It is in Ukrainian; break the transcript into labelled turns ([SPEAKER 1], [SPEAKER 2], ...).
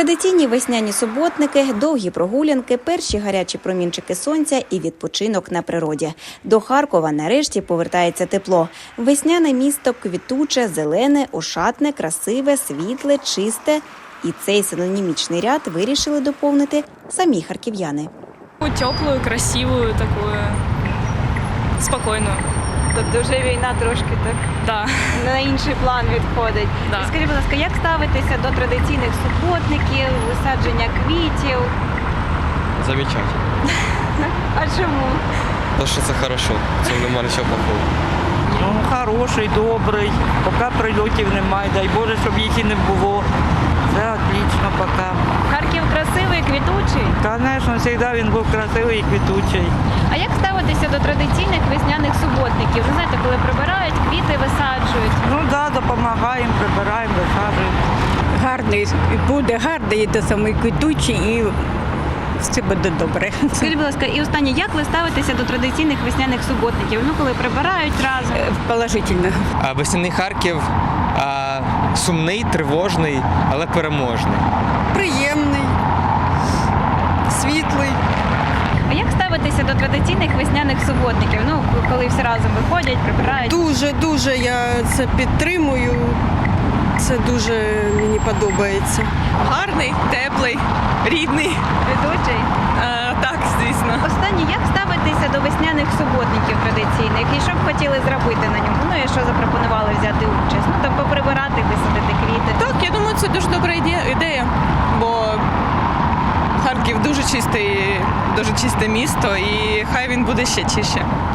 [SPEAKER 1] Традиційні весняні суботники, довгі прогулянки, перші гарячі промінчики сонця і відпочинок на природі. До Харкова нарешті повертається тепло. Весняне місто квітуче, зелене, ошатне, красиве, світле, чисте. І цей синонімічний ряд вирішили доповнити самі харків'яни.
[SPEAKER 2] Теплую, красивую, такую, спокійну.
[SPEAKER 3] Тобто вже війна трошки так
[SPEAKER 2] Да.
[SPEAKER 3] на інший план відходить.
[SPEAKER 2] Да.
[SPEAKER 3] Скажіть, будь ласка, як ставитися до традиційних суботників, висадження квітів?
[SPEAKER 4] Замечательно.
[SPEAKER 3] А чому?
[SPEAKER 4] То, що це хорошо, в цьому немає нічого плохого.
[SPEAKER 5] Ну, хороший, добрий, поки прильотів немає, дай Боже, щоб їх і не було. Це отлично поки.
[SPEAKER 3] Харків красивий, квітучий.
[SPEAKER 5] Звісно, завжди він був красивий і квітучий.
[SPEAKER 3] А як ставитися до традиційних весняних суботників? Ви знаєте, коли прибирають, квіти висаджують.
[SPEAKER 5] Ну так, да, допомагаємо, прибираємо, висаджуємо.
[SPEAKER 6] Гарний буде, гарний, до самий квітучий і все буде добре.
[SPEAKER 3] Скажіть, будь ласка, і останнє, як ви ставитеся до традиційних весняних суботників? Ну, коли прибирають разом.
[SPEAKER 6] Положительно.
[SPEAKER 7] Весняний Харків сумний, тривожний, але переможний.
[SPEAKER 8] Приємний, світлий.
[SPEAKER 3] А як ставитися до традиційних весняних суботників? Ну, коли всі разом виходять, прибирають.
[SPEAKER 8] Дуже я це підтримую. Це дуже мені подобається.
[SPEAKER 2] Гарний, теплий, рідний.
[SPEAKER 3] Ведучий.
[SPEAKER 2] Так, звісно.
[SPEAKER 3] Останнє, як ставитися до весняних суботників традиційних? І що б хотіли зробити на ньому? Ну і що запропонували взяти участь? Ну, там поприбирати, висадити квіти.
[SPEAKER 2] Так, я думаю, це дуже добра ідея, бо Харків дуже чисте місто і хай він буде ще чище.